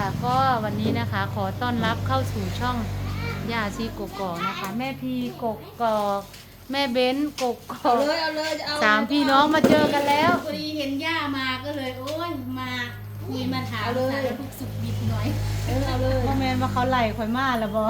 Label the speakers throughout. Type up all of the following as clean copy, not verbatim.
Speaker 1: ค่ะก็วันนี้นะคะขอต้อนรับเข้าสู่ช่องย่าชีกกอกนะคะแม่พีกกอกแม่เบ้นกกอ
Speaker 2: เอา
Speaker 1: ก
Speaker 2: เลยเอาเลยจะเอา
Speaker 1: สามพี่น้องมาเจอกันแล้ว
Speaker 3: พอดีเห็นย่ามาก็เลยโอ้ยมาคุยมาถามสารทุกข์สุขดิบหน่อย
Speaker 2: เอาเลย
Speaker 1: พ่อแม่มาเขาไหลข่อยมาแล้วบอ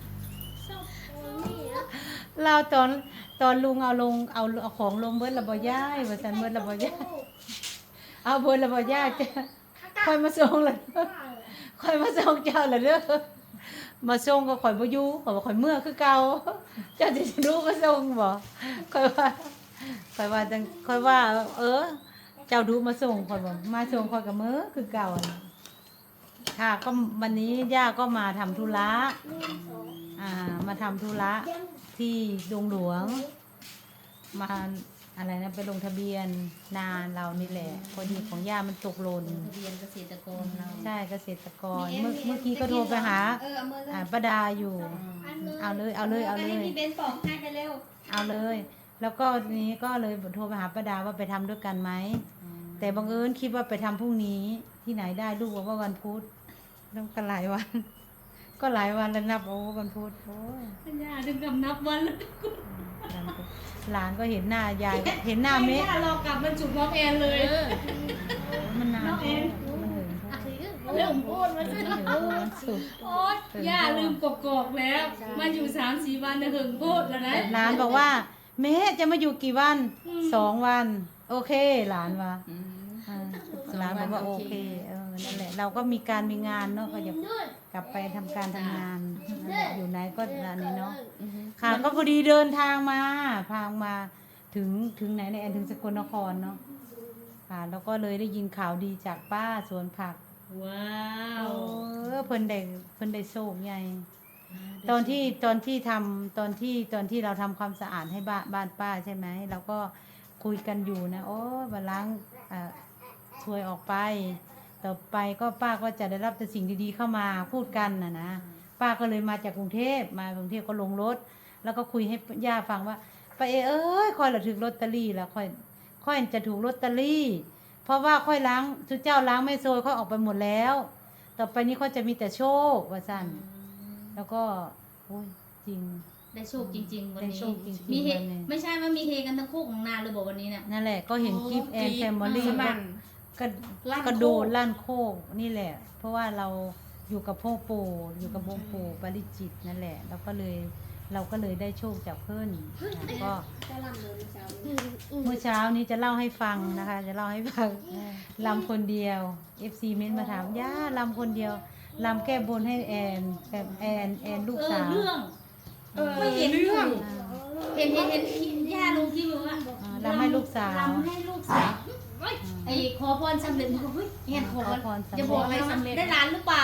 Speaker 1: เราตอนลุงเอาลงเอาของลงเบิดระบอย่ายว่าสันเบิดระบอย่ายเอาเบิดระบอย่ายจะค่อยมาส่งเลยค่อยมาส่งเจ้าเลยเด้อมาส่งก็ข่อยบ่อยู่ข่อยว่าข่อยเมื่อคือเก่าเจ้าสิรู้ก็ส่งบ่ค่อยว่าจังค่อยว่า เจ้าดูมาส่งข่อยบ่มาส่งข่อยก็เมื่อคือเก่าน่ะค่ะก็วันนี้ย่าก็มาทำธุระมาทำธุระที่ดงหลวงมาอะไรนะไปลงทะเบียนนาเรานี่แหละพอดีของย่ามันตกหล่น
Speaker 3: เรียนเกษตรกรเรา
Speaker 1: ใช่เกษตรกรเมื่อกี้ก็โทรไปหา
Speaker 2: เอามือเลย
Speaker 1: ป้าดาอยู่ เอาเลยเอาเลยเอาเลย
Speaker 2: พี่เบนปอกให้ไปเร็ว
Speaker 1: เอาเลย แล้วก็นี้ก็เลยโทรไปหาป้าดาว่าไปทำด้วยกันไหมแต่บังเอิญคิดว่าไปทำพรุ่งนี้ที่ไหนได้ลูกบอกว่าวันพุธต้องกันหลายวัน ก็หลายวันแล้วนับโอ้วันพุธโอ้ย
Speaker 3: ย่าถึงกับนับวันเลย
Speaker 1: หลานก็เห็นหน้ายายเห็นหน้าเมฆ
Speaker 3: ย่ารอกลับมันจุกน้องแอนเลย
Speaker 1: มันนาน
Speaker 3: น้องแอน
Speaker 1: มันถึง
Speaker 3: เริ่มพูดมาสิ
Speaker 1: มันสุก
Speaker 3: โอ๊ยย่าลืมกอกๆแล้ว มาอยู่3-4 วันเนี่ยหึงพูดแล้วนะ
Speaker 1: หลานบอกว่าแม่จะมาอยู่กี่วัน2 วัน โอเคหลานว่าหลานบอกว่าโอเคนั่นแหละเราก็มีการมีงานเนาะก็จะกลับไปทำการทำงานอยู่ไหนก็อันนี้เนาะค่ะก็พอดีเดินทางมาถึงไหนในแอนถึงสกลนครเนาะค่ะแล้วก็เลยได้ยินข่าวดีจากป้าสวนผัก
Speaker 3: ว้าว
Speaker 1: เพิ่นได้โชคใหญ่ตอนที่เราทำความสะอาดให้บ้านป้าใช่ไหมเราก็คุยกันอยู่นะโอ้บาล้างช่วยออกไปต่อไปก็ป้าก็จะได้รับแต่สิ่งดีๆเข้ามาพูดกันนะป้าก็เลยมาจากกรุงเทพก็ลงรถแล้วก็คุยให้ย่าฟังว่าป้าเอ้ยค่อยละถึงลอตเตอรี่แล้วค่อยจะถูกลอตเตอรี่เพราะว่าค่อยล้างทุกเจ้าล้างไม่โซยค่อยออกไปหมดแล้วต่อไปนี้ค่อยจะมีแต่โชคว่าสั่นแล้วก็โอ้ยจริง
Speaker 3: ได้โชคจริงๆวัน
Speaker 1: ได้
Speaker 3: นี้
Speaker 1: โชคจริงๆ
Speaker 3: มีเฮ
Speaker 1: วันนี้
Speaker 3: ไม่ใช่ว่ามีเฮกันทั้งคู่ของนาเลยบอกวันนี้เนี่ย
Speaker 1: นั่นแหละก็เห็นคลิปแอนแฟมิลี่
Speaker 2: สบัน
Speaker 1: กระโดดลั่นโคกนี่แหละ เพราะว่าเราอยู่กับพ่อปู่อยู่กับพ่อปู่ปาริจิตนั่นแหละเราก็เลยได้โชคจากเพื่อนก็
Speaker 2: ก็ลำเลยเช้า
Speaker 1: เมื่อเช้านี้จะเล่าให้ฟังนะคะ จะเล่าให้ฟังลำคนเดียว FC เม้นมาถามย่าลำคนเดียวลำแก้บนให้แอนแบบแอนลูกสาว
Speaker 3: เรื่องไม่เห็นเรื่องเห็นย่าลงที่บอกว่า
Speaker 1: ลำให้ลูกสาว
Speaker 3: ลำให้ลูกสาวไอ้ขอพรสำเร็จมันก็เฮ้ยเห็นขอพรจะบอกอะไรสำเร็จได้ร้านหรือเปล่า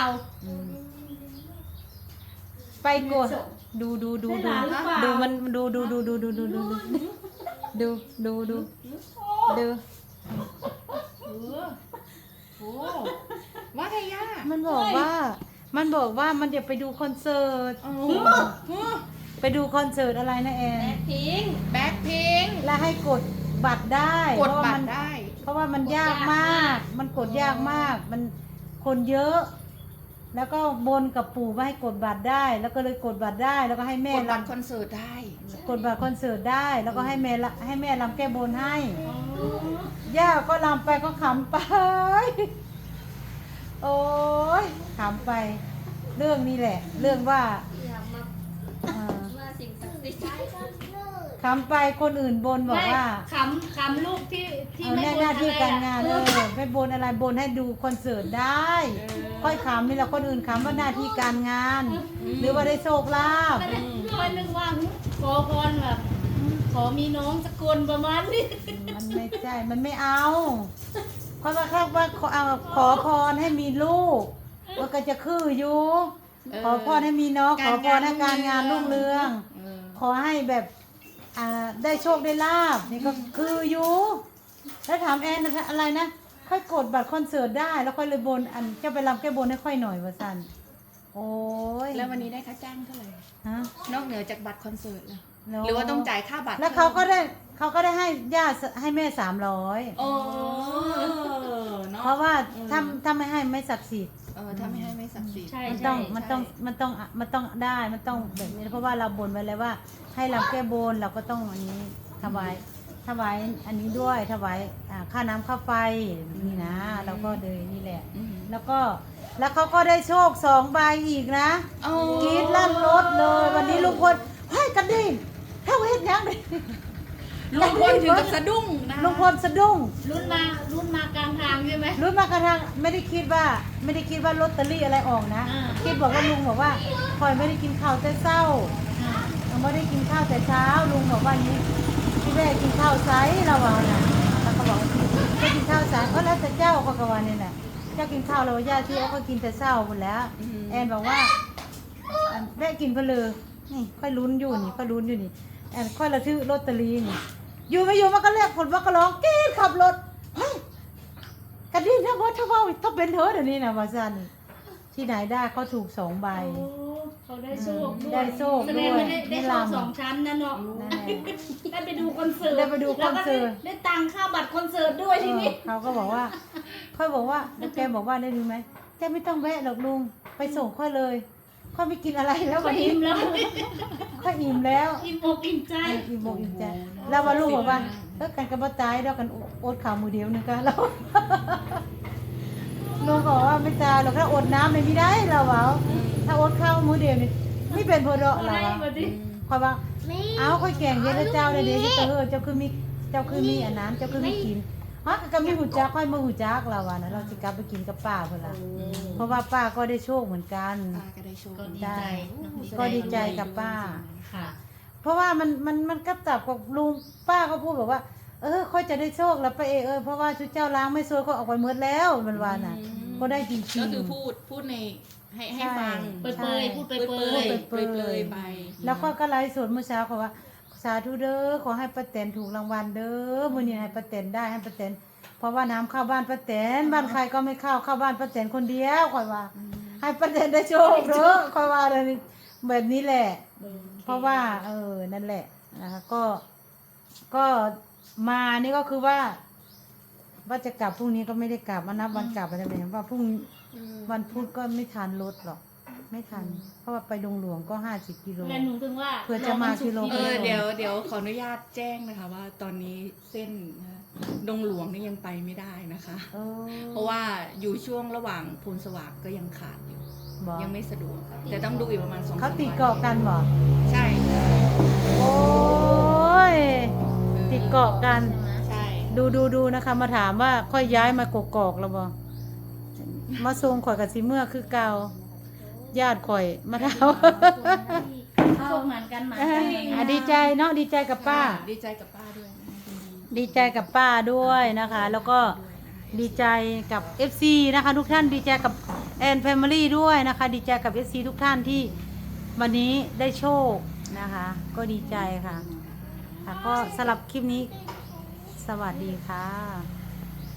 Speaker 1: ไปกดดูมันดู
Speaker 2: โอ้ว่าไงย่า
Speaker 1: มันบอกว่ามันจะไปดูคอนเสิร์ตไปดูคอนเสิร์ตอะไรนะแอน
Speaker 3: พิง
Speaker 2: แบ็คพิง
Speaker 1: แล้วให้กดบัตรได้
Speaker 2: กดบัตรได้
Speaker 1: เพราะว่ามันยากมาก มันกดยากมาก มันคนเยอะ แล้วก็บนกับปู่ว่าให้กดบัตรได้ แล้วก็เลยกดบัตรได้ แล้วก็ให้แม่
Speaker 2: กดบัตร
Speaker 1: รำ
Speaker 2: คอนเสิร์ตได้
Speaker 1: กดบัตรคอนเสิร์ตได้ แล้วก็ให้แม่รำแก้บนให้ย่าก็รำไปก็ขำไป โอ้ยขำไป เรื่องนี้แหละ เรื่องว่า
Speaker 2: ว่าสิ่งศักดิ์สิทธิ์
Speaker 1: ขำไปคนอื่นบนบอกว่า
Speaker 3: ขำลูกที่
Speaker 1: เอา
Speaker 3: ไม่
Speaker 1: แน่
Speaker 3: บ
Speaker 1: หน้าที่การ
Speaker 3: อะ
Speaker 1: งาน
Speaker 3: ไร
Speaker 1: ไม่บนอะไรบนให้ดูคอนเสิร์ตได้ ค่อยขำนี่แหละคนอื่นขำว่าหน้าที่การงาน หรือว่าได้โชคลาภ
Speaker 3: ค่อยนึกว่าขอพรแบบขอมีน้องสักคนประมาณนี้
Speaker 1: มันไม่ใช่มันไม่เอาเพราะว่าเขาว่าขอพรให้มีลูกมันก็จะคืออยู่ขอพรให้มีน้องขอพรให้การงานรุ่งเรือง ขอให้แบบได้โชคได้ลาบนี่ก็คืออยู่แล้วถามแอนนะอะไรนะค่อยกดบัตรคอนเสิร์ตได้แล้วค่อยเลยบนเจ้าไปรำแก้บนให้ค่อยหน่อยว่าสันโอ้ย
Speaker 2: แล้ววันนี้ได้ค่าจ้างเท่าไหร่
Speaker 1: ฮะ
Speaker 2: นอกเหนือจากบัตรคอนเสิร์ตแล้ว
Speaker 1: แล้
Speaker 2: หรือว่าต้องจ่ายค่าบัตร
Speaker 1: แล้วเขาก็ได้ให้ย่าให้แม่300
Speaker 2: โอ้เนาะ
Speaker 1: เพราะว่าถ้าไม่ให้ไม่ศักดิ์สิทธิ์
Speaker 2: ถ้าไม่ให้ไม่ศักดิ์สิทธิ์
Speaker 3: ใช่
Speaker 1: มัน
Speaker 3: ใช่
Speaker 1: ต้องได้มันต้องแบบนี้เพราะว่าเราบนไว้แล้วว่า ให้เราแก้บนเราก็ต้องอันนี้ถวายอันนี้ด้วยถวายค่าน้ำค่าไฟนี่นะเราก็เลยนี่แหละ แล้วเขาก็ได้โชค2 ใบอีกนะกรีดลั่นรถเลย วันนี้ลุงพลให้กันดิเท่าเฮ็ดยังเลย
Speaker 2: ลุงพลถึงกับสะดุ้งนะ
Speaker 1: ลุงพลสะดุ้ง
Speaker 3: รุ่นมากลางทางใช่ไหม
Speaker 1: รุ่นมากระทั่งไม่ได้คิดว่าลอตเตอรี่อะไรออกนะ
Speaker 3: อ่า
Speaker 1: คิดบอกว่าลุงบอกว่าคอยไม่ได้กินข้าวแต่เช้ายังไม่ได้กินข้าวแต่เช้าลุงบอกว่าอย่างนี้พี่แม่กินข้าวไซส์เราเอาน่ะแล้วก็บอกจะกินข้าวไซส์ก็แล้วแต่เจ้าก็กวันนี่แหละเจ้ากินข้าวเราญาติที่เขาก็กินแต่เช้าหมดแล้วแอนบอกว่าแม่กินเพลือนี่ค่อยลุ้นอยู่นี่แอนค่อยระทึกลอตเตอรี่นี่อยู่ไม่อยู่มันก็เรียกผลว่าก็ร้องกีดขับรถเฮ้ยกันดิถ้าว่าถ้าเป็นเธอเดี๋ยวนี้นะวาซันที่ไหนได้เขาถูก2 ใบ
Speaker 3: โอ้เขาได้โชคด้วย
Speaker 1: ได้โชค
Speaker 3: แส
Speaker 1: ด้
Speaker 3: ดง
Speaker 1: วย
Speaker 3: ว่าได้
Speaker 1: ได้
Speaker 3: โชค
Speaker 1: ลำ
Speaker 3: 2 ชั้นนะเนาะ
Speaker 1: นั่นแหละ
Speaker 3: ได้ไปดูคอนเสิร์ต
Speaker 1: ได้ไปดูคอนเสิร์ต
Speaker 3: แล้วก็ได้ตังค่าบัตรคอนเสิร์ตด้วยทีนี้
Speaker 1: เขาก็บอกว่าค่อยบอกว่าแล้วแกบอกว่าได้ดีไหมแกไม่ต้องแวะหรอกลุงไปส่งค่อยเลยค่อยไม่กินอะไรแล้ว
Speaker 3: ก็
Speaker 1: วันนี้
Speaker 3: อิ่มแล้ว
Speaker 1: ค่อยอิ่มแล้ว
Speaker 3: อิ่มอกอิ่มใจ
Speaker 1: อิ่มอกอิ่มใจแล้วว่าลุงบอกว่ากันกระบะตายแล้วกันอดข้าวมือเดียวนึงกันแล้วลุงบอกว่าไม่ตายหรอกถ้าอดน้ำไม่ได้เราเอาถ้าอดข้าวมือเดียวนี่ไม่เป็นพอเรา
Speaker 3: ได้
Speaker 1: เอา
Speaker 3: มาดิ
Speaker 1: ค่อยว่าเอาค่อยแกงเย็นแล้วเจ้าเลยเดี๋ยวเจ้าคือมีอันนั้นเจ้าคือมีกินฮะก็มีหูจักค่อยมาหูจักเราอ่ะนะเราจะกลับไปกินกับป้าเพื่อนละเพราะว่าป้าก็ได้โชคเหมือนกัน
Speaker 2: ป้าก็ได้โชค
Speaker 3: ก็ดีใจเนอะ
Speaker 1: ก็ดีใจกับป้า
Speaker 3: ค่ะ
Speaker 1: เพราะว่ามันก็จับกับลุงป้าก็พูดบอกว่าค่อยจะได้โชคแล้วป้าเพราะว่าชุดเจ้าล้างไม่ซวยก็ออกไปหมดแล้วมันว่าน่ะ ก็ได้จริงๆ
Speaker 2: ก็คือพูดในให้ฟัง
Speaker 3: เปยๆพูดเปย
Speaker 2: เปลยไป
Speaker 1: แล้วก็ไลฟ์สดเมื่อเช้าเขาว่าสาธุเด้อขอให้ป้าแตนถูกรางวัลเด้อมื้อนี้ให้ป้าแตนได้ให้ป้าแตนเพราะว่าน้ำเข้าบ้านป้าแตนบ้านใครก็ไม่เข้าบ้านป้าแตนคนเดียวค่อยว่า ให้ป้าแตนได้โชคเด้อค่อยว่าแบบนี้แหละ เพราะว่านั่นแหละนะคะก็มานี่ก็คือว่าจะกลับพรุ่งนี้ก็ไม่ได้กลับมานับวันกลับอะไรแบบนี้ว่าพรุ่งวันพุธก็ไม่ทันรถหรอกไม่ทัน เพราะว่าไปดงหลวงก็50 กิโล
Speaker 3: แล้วหนูถึงว่า
Speaker 1: เพื่อจะมากิโล
Speaker 2: เดี๋ยวขออนุญาตแจ้งนะคะว่าตอนนี้เส้นนะดงหลวงนี่ยังไปไม่ได้นะคะ เพราะว่าอยู่ช่วงระหว่างพูนสว่างก็ยังขาดอยู่
Speaker 1: บอก
Speaker 2: ยังไม่สะดวกแต่ต้องดูอีกประมาณ2-3
Speaker 1: เขาติดเกาะกันบอก
Speaker 2: ใช่
Speaker 1: โอ้ยติดเกาะกัน
Speaker 2: ใช่
Speaker 1: ดูนะคะ มาถามว่าค่อยย้ายมากกอกแล้วบ่มาทรงข่อยกับสิเมื่อคือเก่าญาติข่อยมาถาม
Speaker 3: โชคเหมือนกันเหมือนกัน
Speaker 1: ดีใจเนาะดีใจกับป้า
Speaker 2: ดีใจกับป้าด้วยนะ
Speaker 1: ดีใจกับป้าด้วยนะคะ แล้วก็ดีใจกับ FC นะคะทุกท่านดีใจกับแอนแฟมิลี่ด้วยนะคะ ดีใจกับ FC ทุกท่านที่วันนี้ได้โชคนะคะ ก็ดีใจค่ะก็สำหรับคลิปนี้สวัสดีค่ะ